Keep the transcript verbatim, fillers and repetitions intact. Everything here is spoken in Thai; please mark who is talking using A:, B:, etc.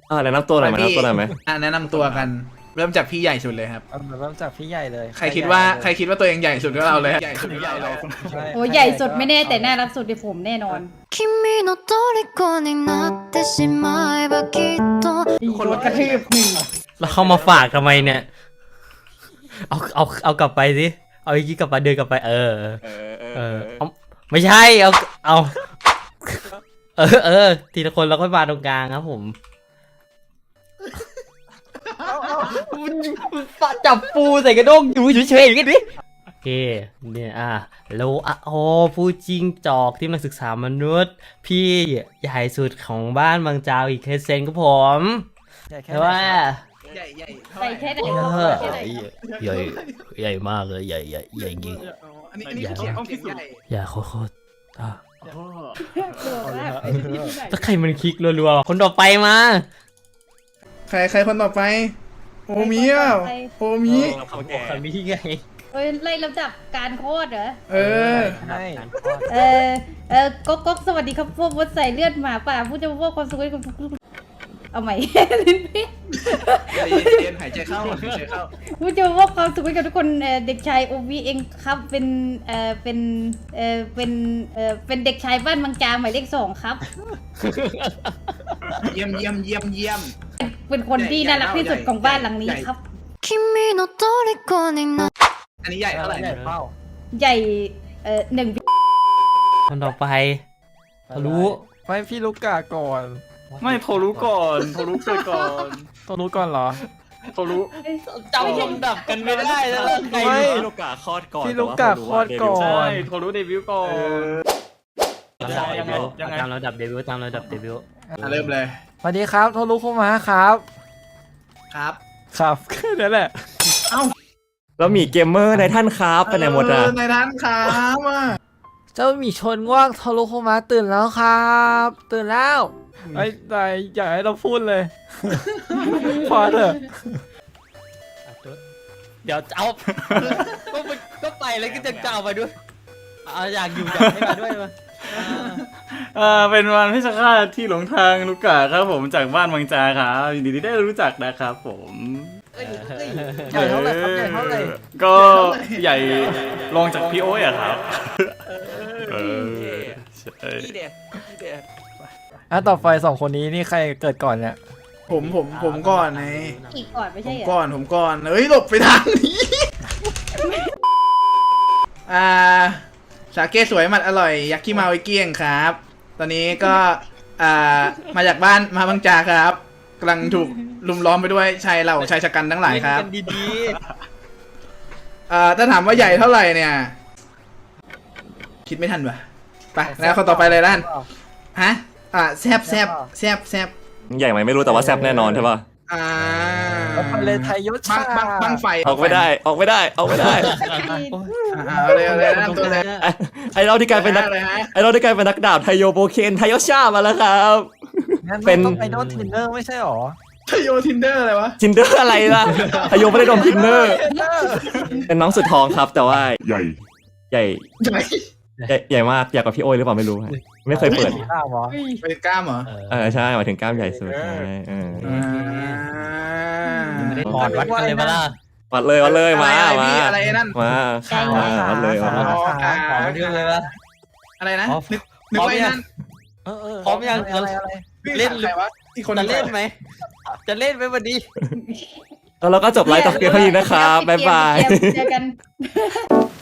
A: อ่าแนะนำตัวหน่อยไหมแนะนำตัวหน่อยไหม
B: อ่ะแนะนำตัวกันเริ่มจากพี่ใหญ่สุดเลยครับ
C: เอาเริ่มจากพี่ใหญ่เลย
B: ใครคิดว่าใครคิดว่าตัวเองใหญ่สุดก็เราเลยใหญ่สุดก็เราเลย
D: โอ้ใหญ่สุดไม่แน่แต่น่ารักสุดในผมแน่นอน
E: 君の虜になってしまえばきっと
D: คนกระทืบหนึ่ง
F: แล้วเข้ามาฝากทำไมเนี่ยเอาเอาเอากลับไปสิเอาอีกทีกลับไปเดินกลับไปเออเออเอาไม่ใช่เอาเอาเออเออทีละคนเราก็มาตรงกลางครับผมจับปูใส่กระด้งอยู่เฉยๆอย่างนี้ดิโอเคเนี่ยอ่ะแล้วอ่ะโอ้ผู้จริงจอกที่นักศึกษามนุษย์พี่ใหญ่สุดของบ้านบางจาวอีกเคสเซนครับผมแต่ว่า
B: ใหญ่ใหญ่
D: ใส่แค่ไหน
F: เอ
D: ก็
F: อ
D: แค่ไหน
F: ใหญ่ใหญ่มากเลยใหญ่ใหญ่ใหญ่จริง
B: อันนี้อันนี้เสียงต้องพิสูจน์
F: ใหญ่โคตรๆอ่ะ
D: กลัวมาก
F: ถ้าใครมันคลิกรัวๆคนต่อไปมา
B: ใครใครคนต่อไปโอมิอ่ะโอมิ
F: คนนี้ไง
D: เอ้ยไล่ลำดับการโคตรเหรอ
B: เออ
C: ใช่
D: เออเออก๊กก๊กสวัสดีครับพวกมดใส่เลือดหมาป่าผู้จะมอบความสุขให้คุณเอาใหม่ลิ้นพี่
B: เย็นหายใจเข้าหายใจเข้า
D: ผู้จะมอบความสุขให้กับทุกคนเอ่อเด็กชายโอวีเองครับเป็นเอ่อเป็นเอ่อเป็นเอ่อเป็นเด็กชายบ้านบางจาหมายเลขสองครับ
B: เยี่ยมเยี่ยมเยี่ยมเยี่ยม
D: เป็นคนที่น่ารักที่สุดของบ้านหลังนี้ครับ
E: 君の虜にな
B: อันนี้ใหญ่เท่าไหร่
C: ใหญ่เป้า
D: ใหญ่เอ่อหนึ่ง
F: คนต่อไปทะลุ
C: ไม่พี่ลูกกาก่อน
G: ไม่โทรรู้ก่อนโทรรู้เกิดก่อน
C: ต้องรู้ก่อนเหรอ
G: โทรรู้
F: จำลำดับกันไม่ได้แล้วใคร
C: ไม่
A: ลูกกาคลอดก่อน
C: พี่ลูกกาคลอดก่อน
G: ใช่โทรรู้เดบิวต์ก่อน
F: ยังไง
G: ยังไง
F: ตามระดับเดบิวต์ตามระดับเดบิวต์
B: เริ่มเลย
C: สวัสดีครับโทรรู้เข้ามาครับ
B: ครับ
C: ครับแค่นั้นแหละ
A: แล้วมีเกมเมอร์ในท่านครับไปไหนหมดอ่ะ
B: ในท่านครับอ่ะ
C: เจ้าหมีชนง่วงโทรรู้เข้ามาตื่นแล้วครับ ตื่นแล้วไอ้ใจอยากให้เราพูดเลย พอเถอะ
F: เดี๋ยวเอาก็มันก็ไปแล้วก็จะเจ้าไปด้วยเอาอยากอยู่อยากให้มาด้วยมา
G: เออเป็นวันพิชฆาตที่หลงทางลูกกาครับผมจากบ้านบางจาครับยินดีที่ได้รู้จักนะครับผม
C: ใหญ่เท่าไหร่ครับใหญ่เท่าไหร่
G: ก็ใหญ่ลองจากพี่โอ้ยอะครับเออใช่
C: อ่ะต่อไปสองคนนี้นี่ใครเกิดก่อนเนี่ย
B: ผมผมผมก่อนไง
D: อีกก่อนไม่
B: ผ
D: ใช่
B: ม
D: เหรอ
B: ก่อนผมก่อนเฮ้ยหลบไปทางนี้อ่าสาเกสวยหมัดอร่อยยักษ์ขี้เมาไอ้เกี้ยงครับ ตอนนี้ก็อ่ามาจากบ้านมาบางจาครับกำลังถูกลุมล้อมไปด้วยชายเหล่าชายชะกันทั้งหลายครับ
F: เล่นกันดี
B: อ่าถ้าถามว่าใหญ่เท่าไหร่เนี่ย คิดไม่ทันวะไปแล้วคนต่อไปเลยด้านฮะอ่าแซบแซบแซบแซบ
A: ใหญ่ไหมไม่รู้แต่ว่าแซ่บแน่นอนใช่ป่ะ
B: อ่า
C: แล้วไปเลยไทยยศ
B: บั
C: ชาง
B: บังบังไฟ
A: ออกไม่ได้ออกไม่ได้ออกไม่ได้
B: อ่าเอาเลยเอาเลยแนะนำตัวเลย
A: ไอ้ไอเราที่กลายเป็นนัก
B: เลยฮะ
A: ไอเราที่กลายเป็นนักดาบไทโยโบเคนไทโยชามาแล้วครับ
C: งั้น
A: เป็น
C: ต้องไปโดนทินเนอร์ไม่ใช่หรอ
B: ทโยทินเดอร์อะไรวะ
A: จินเดอร์อะไรล่ะไทโยไม่ได้โดนทินเนอร์เป็นน้องสุดท้องครับแต่ว่าใหญ่ใหญ่
B: ใหญ่
A: ใหญ่ใหญ่มากใหญ่กว่าพี่โอ้ยหรือเปล่าไม่รู้ฮะไม่เคยเปิด
C: ข้าวหรอ
B: เป็นกล้ามเหรอ
A: เออใช่หมายถึงกล้ามใหญ่สุดใช่เออ
B: อ่า
F: ๆไม่ได้ถอดวัดกันเลยมาล่ะ
A: วัดเลยวัดเลยมา
B: อะไร
A: มา
B: พี่อะไรนั่น
A: มามาวัดเลยวัดเลย
B: อ๋อขา
F: ขอมาด้วยเลยป่ะ
B: อะไรนะ
F: อ๋อ
B: นึกนึกว่าไอ้นั่น
C: เออเออ
F: พร้อมยัง
C: อะไรอะไร
F: เล่น
B: ใครวะอีกคน
F: จะเล่นไหมจะเล่นไหมวันนี้
A: แล้วเราก็จบไลฟ์ต่อเพียงเท่านี้นะครับบ๊ายบาย
D: เจอกัน